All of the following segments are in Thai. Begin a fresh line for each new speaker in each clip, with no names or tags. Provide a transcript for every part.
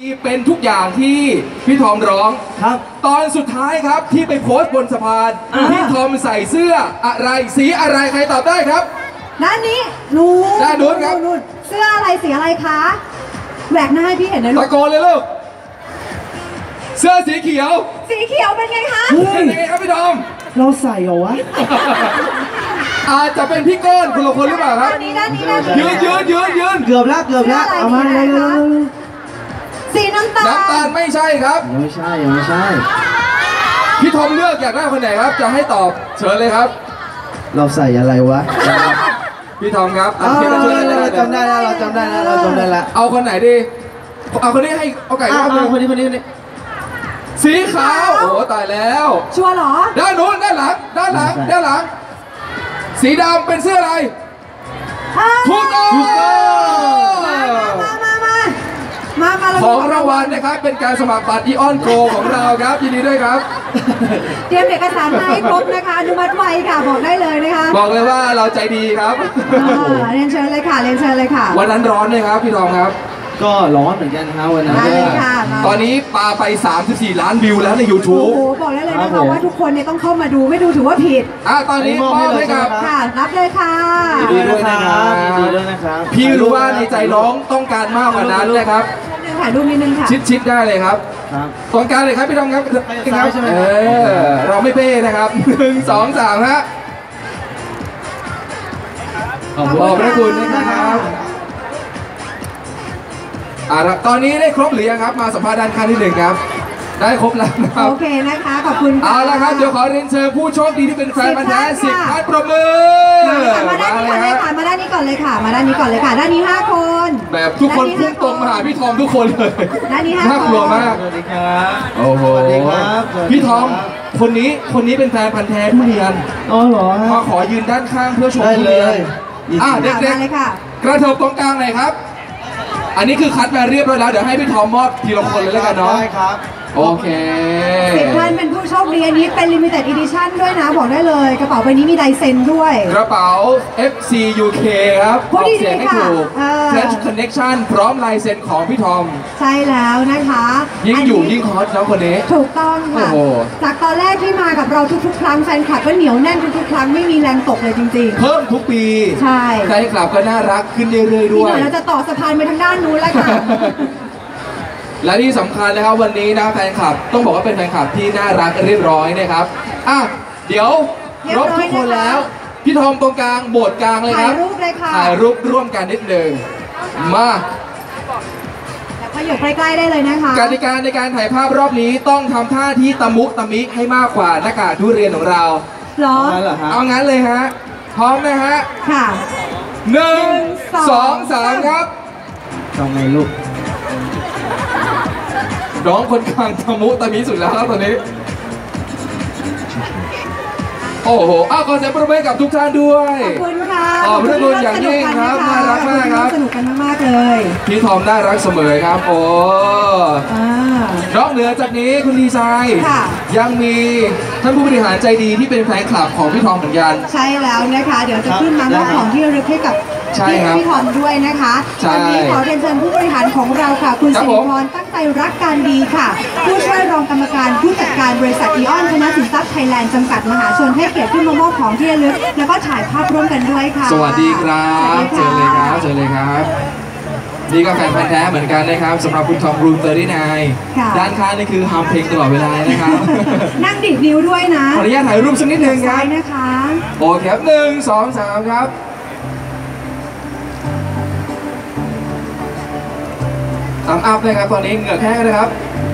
เป็นทุกอย่างที่พี่ทอมร้องครับตอนสุดท้ายครับที่ไปโพสต์บนสะพานพี่ทอมใส่เสื้ออะไรสีอะไรใครตอบได้ครับ
ด้านนี้นู้น
ด้านนู้นครับ
เสื้ออะไรสีอะไรคะแหวกหน้าให้พี่เห็นนะลูก
ตะโกนเลยลูกเสื้อสีเขียว
เป็นไงคะ
เป็นไงครับพี่ทอม
เราใส่เหรอวะ
อาจจะเป็นพี่ก้อนคนละคนหรือเปล่าครับ
ด้านนี้
ยืน
เกือบแล้วเอามาเลย
สีน้ำตา
ลไม่ใช่ครับ
ไม่ใช่
พี่ทอมเลือกอยากได้คนไหนครับจะให้ตอบเชิญเลยครับ
เราใส่อะไรวะ
พี่ทอมครับ
เราจำได้แล้ว
เอาคนไหนดีเอาคนนี้ให้เอาไก่ครับ
คนนี้
สีขาวโอ้ตายแล้ว
ชัวร์เหรอ
ด้านโน้นด้านหลังสีดำเป็นเสื้ออะไรถูกต้อง
มา
ของรางวัลนะครับเป็นการสมัครบัตรอีออนโกของเราครับยินดีด้วยครับ
เตรียมเอกสารมาให้ครบนะคะอนุมัติไวค่ะบอกได้เลยนะคะ
บอกเลยว่าเราใจดีครับ
เรียนเชิญเลยค่ะ
วันนั้นร้อนเลยครับพี่ทองครับ
ก็ร้อนเหมือนกันนะวันนั้น
ตอนนี้ปาไป34 ล้านวิวแล้วใน YouTube
โอ้โหบอกได้เลยนะคะว่าทุกคนเนี่ยต้องเข้ามาดูไม่ดูถือว่าผิด
ตอนนี้มอบให้กับ
ค่ะรับเลยค่ะ
ยินดีด้วยนะครับพี่รู้ว่าในใจน้องต้องการมากกว่านั้นนะครับ
ถ่ายรูปนิดนึงค่ะ
ชิดได้เลยครับตรงกลางเลยครับพี่ทองครับเราไม่เป้นะครับ1 2 3ฮะขอบพระคุณนะครับตอนนี้ได้ครบหรือยังครับมาสัมภาษณ์ด้านข้างที่1ครับได้ครบแล้วนะครับ
โอเคนะคะขอบคุณ
เอาละครับเดี๋ยวขอเรียนเชิญผู้โชคดีที่เป็นแฟนพันธุ์แท้10 ท่านประมือ
มาด้านนี้ก่อนเลยค่ะมาด้านนี้ก่อนเลยค่ะด้านนี้5 คน
แบบทุกคนพุ่งตรงมาหาพี่ทอมทุกคนเลย
ด้านนี้5 คน
น่ากลัวมาก
สวัสดีครับ
โอ้โหพี่ทอมคนนี้เป็นแฟนพันธุ์แท้ทุเรียน
อ๋อเหรอ
มาขอยืนด้านข้างเพื่อชมทุเรียนเด็กๆกระเถิบตรงกลางหน่อยครับอันนี้คือคัดมาเรียบร้อยแล้วเดี๋ยวให้พี่ทอมมอบทีละคนเลยแล้วกันเนาะ
ได้ครับ
โอเค
10 ท่านเป็นผู้โชคดีอันนี้เป็น limited edition ด้วยนะบอกได้เลยกระเป๋าใบนี้มีลายเซ็นด้วย
กระเป๋า FC UK ครับ
ออกเสียงให้ถูก
Flash Connection พร้อมลายเซ็นของพี่ทอม
ใช่แล้วนะคะ
ยิ่งอยู่ยิ่งฮอตแล้วคนนี้
ถูกต้องค่ะจากตอนแรกที่มากับเราทุกๆครั้งแฟนคลับก็เหนียวแน่นทุกๆครั้งไม่มีแรงตกเลยจริงๆ
เพิ่มทุกปี
ใช่
แฟนคลับก็น่ารักขึ้นเรื่อยๆด้วย
เราจะต่อสะพานไปทางด้านนู้นแล้วค่ะ
และที่สำคัญนะครับวันนี้นะแฟนคลับต้องบอกว่าเป็นแฟนคลับที่น่ารักเรียบร้อยนะครับเดี๋ยวครบทุกคนแล้วพี่ทอมตรงกลางโบสถ์กลางเลยครับ
ถ่ายรูปเลยค่ะ
ถ่ายรูปร่วมกันนิดหนึ่งมา
ขยับใกล้ๆได้เลยนะคะ
กติกาในการถ่ายภาพรอบนี้ต้องทำท่าที่ตะมุตะมิให้มากกว่าหน้ากากทุเรียนของเรา
หรอ
เอางั้นเลยฮะพร้อมนะฮะ
ค่ะ
1 2 3ครับ
ทำไงลูก
น้องคนกลางตะมุตะมิสุดแล้วครับตอนนี้โอ้โหขอเสียงปรบมือกับทุกท่านด้วย
ขอบคุณค่ะ
ขอบพระคุณอย่างยิ่งครับน่ารักมากครับ
สนุกกันมากๆเลย
พี่ทอมน่ารักเสมอครับโอ้นอกเหนือจากนี้คุณดีไซน์ยังมีท่านผู้บริหารใจดีที่เป็นแฟนคลับของพี่ทอมเหมือนกัน
ใช่แล้วนะคะเดี๋ยวจะขึ้นมามอบของที่ระลึกให้กับพี่ทอมด้วยนะคะวันนี้ขอเรียนเชิญผู้บริหารของเราค่ะคุณสิริพรตั้งใจรักการดีค่ะผู้ช่วยรองกรรมการผู้จัดการบริษัทอีออนธนสินทรัพย์ไทยแลนด์จำกัดมหาชนให้เกียรติขึ้นมามอบของที่ระลึกแล้วก็ถ่ายภาพร่วมกันด้วยค่ะ
สวัสดีครับเชิญเลยครับนี่ก็แฟนพันธุ์แท้เหมือนกันนะครับสำหรับคุณทอมรูม39ด้านข้างนี่คือฮัมเพลงตลอดเวลานะครับ
นั่งดิดนิ้วด้วยนะ
ขออนุญาตถ่ายรูปสักนิดนึงครับ
นะคะ
โอเคครับ1 2 3ครับอัพเลยครับตอนนี้เหงื่อแห้งนะครับ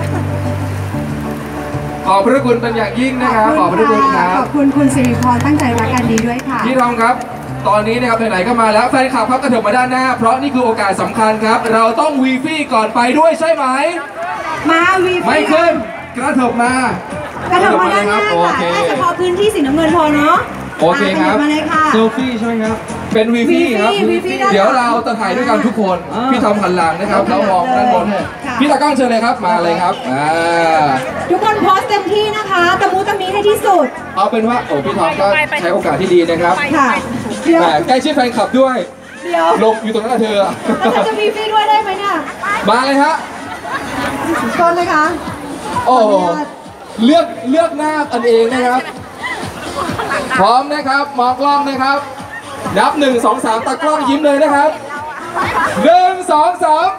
ขอบพระคุณเป็นอย่างยิ่งนะครับขอบพระคุณครับ
ขอบคุณคุณสิริพรตั้งใจรักกันดีด้วยค่ะ
พี่ทอมครับตอนนี้นะครับไหนๆก็มาแล้วแฟนคลับครับกระเถิบมาด้านหน้าเพราะนี่คือโอกาสสำคัญครับเราต้องวีฟี่ก่อนไปด้วยใช่ไหม
มาวีฟี่
ไม่ขึ้นกระเถิบมาก
ระเถิบมาด้านหน้าค่ะแค่เฉพาะพื้นที่สีน้ำเงินพอเนาะ
โอเคครับ
มาเลยค่ะ
เซลฟี่ใช่ไหมครับ
เป็นวีฟี่ครับเดี๋ยวเราจะถ่ายด้วยกันทุกคนพี่ทอมหันหลังนะครับแล้วมองด้านบนพี่ตากล้องเชิญเลยครับมาเลยครับ
ทุกคนโพสเต็มที่นะคะตะมูตะมีให้ที่สุด
เอาเป็นว่าพี่ทอมก็ใช้โอกาสที่ดีนะครับ
ค่ะ
ใกล้ชิดแฟนคลับด้วยลงอยู่ตรงนั้นเธอ
จะมีฟรีด้วยได้ไหมเนี่ย
มาเลยฮะ
ต้นเลยคะ
โอ้โหเลือกหน้ากันเองนะครับพร้อมนะครับมองกล้องนะครับนับ1 2 3ตากล้องยิ้มเลยนะครับ1 2 3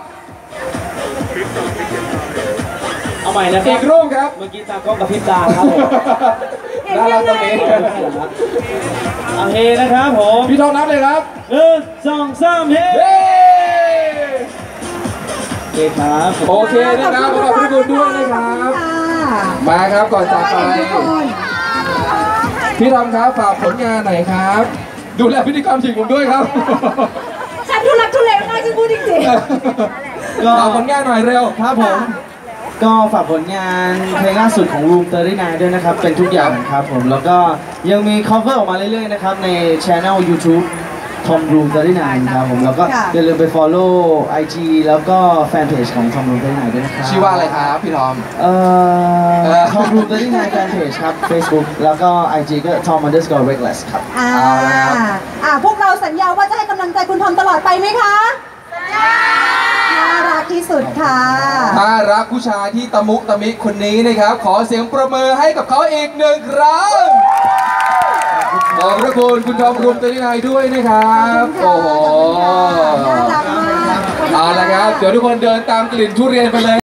เอาใหม่นะค
อี
รับ
กรูปครับ
เมื่อกี้ตากล้องกับพริบตาครับผม
น่ารักตรงนี้
เอาเฮนะครับผม
พี่ทองนับเลยครับ
1 2 3เฮ
เย้
โอเคครับ
โอเคนะครับขอบคุณทุกคนด้วยนะครับ
ค่ะ
มาครับก่อนจากไป
ทุกคน
พี่ทอมครับฝากผลงานหน่อยครับ ดูแลพิธีกรทีมผมด้วยครับ
ฉันทุลักทุเลมากจริงพูดจริง
ฝากผลงานหน่อยเร็ว
ครับผม ก็ฝากผลงานเพลงล่าสุดของ Room 39ด้วยนะครับ เป็นทุกอย่างครับผม แล้วก็ยังมี cover ออกมาเรื่อยๆนะครับ ใน channel YouTube Tom Room 39ครับผม แล้วก็อย่าลืมไป follow IG แล้วก็แฟนเพจของ Tom Room 39ด้วยนะครับ
ชื่อว่าอะไรครับพี่ทอม
Tom Room 39 แฟนเพจครับ Facebook แล้วก็ IG ก็ Tom_reckless ครับ
ๆพวกเราสัญญาว่าจะให้กำลังใจคุณทอมตลอดไปไหมคะน่ารักที่สุดค่ะ
ถ้ารักผู้ชายที่ตะมุตะมิคนนี้นะครับ ขอเสียงประมือให้กับเขาอีกหนึ่งครั้งขอบพระคุณคุณทอมรุมตัวนี้นายด้วยนะครับ โอ้โห
น่ารักมาก
เอาละครับ เดี๋ยวทุกคนเดินตามกลิ่นทุเรียนไปเลย